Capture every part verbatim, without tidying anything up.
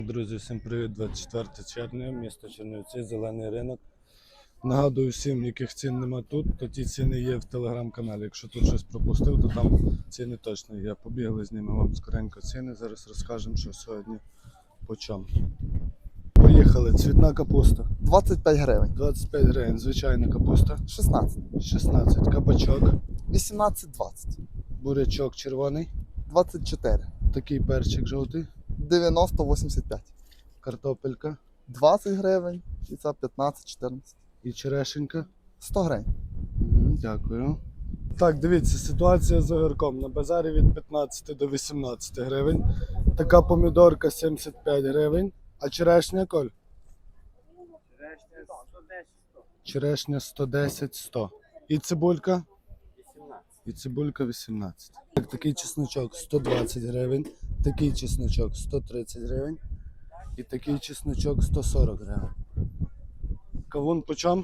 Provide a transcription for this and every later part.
Друзі, всім привіт! двадцять четверте червня, місто Чернівці, зелений ринок. Нагадую всім, яких цін нема тут, то ті ціни є в телеграм-каналі. Якщо тут щось пропустив, то там ціни точно є. Побігли, знімемо вам скоренько ціни, зараз розкажемо, що сьогодні по чому. Поїхали, цвітна капуста. двадцять п'ять гривень. двадцять п'ять гривень, звичайна капуста. шістнадцять. шістнадцять, кабачок. вісімнадцять двадцять. Бурячок червоний. двадцять чотири. Такий перчик жовтий. дев'яносто вісімдесят п'ять. Картопелька. двадцять гривень. І це п'ятнадцять чотирнадцять. І черешенька. сто гривень. Дякую. Так, дивіться, ситуація з огірком. На базарі від п'ятнадцяти до вісімнадцяти гривень. Така помідорка сімдесят п'ять гривень. А черешня, Коль? Черешня сто десять сто. І цибулька? вісімнадцять. І цибулька вісімнадцять. Так, такий чесночок сто двадцять гривень. Такий чесночок сто тридцять гривень. І такий чесночок сто сорок гривень. Кавун по чому?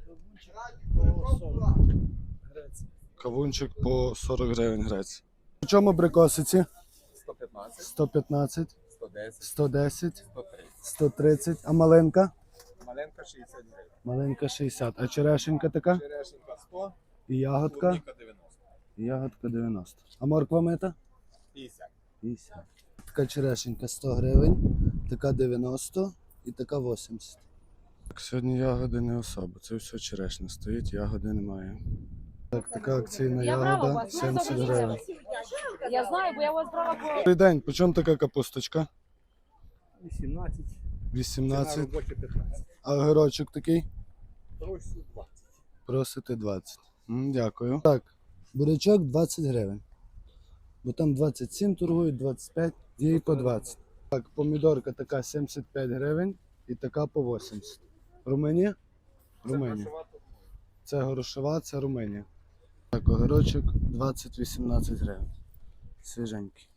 Кавунчик по сорок гривень грець. По чому абрикосиці? сто п'ятнадцять, сто п'ятнадцять, сто десять, сто десять, сто тридцять. сто тридцять. А маленька? Маленька шістдесят гривень. Маленька шістдесят. А черешенька така? Черешенька сто, І ягодка? клубніка дев'яносто. І ягодка дев'яносто. А морква мита? п'ятдесят. п'ятдесят. Така черешенька сто гривень, така дев'яносто і така вісімдесят. Так, сьогодні ягоди не особо. Це все черешня стоїть, ягоди немає. Так, така акційна ягода сімдесят гривень. Я знаю, бо я вас брала по... Добрий день, по чому така капусточка? вісімнадцять. вісімнадцять. робоча п'ятнадцять. А огірочок такий? Просю двадцять. Просите двадцять. М, Дякую. Так, бурячок двадцять гривень. Бо там двадцять сім торгують, двадцять п'ять, є і по двадцять. Так, помідорка така сімдесят п'ять гривень і така по вісімдесят. Румунія? Румунія. Це горошова, це Румунія. Так, огірочок двадцять вісімнадцять гривень. Свіженький.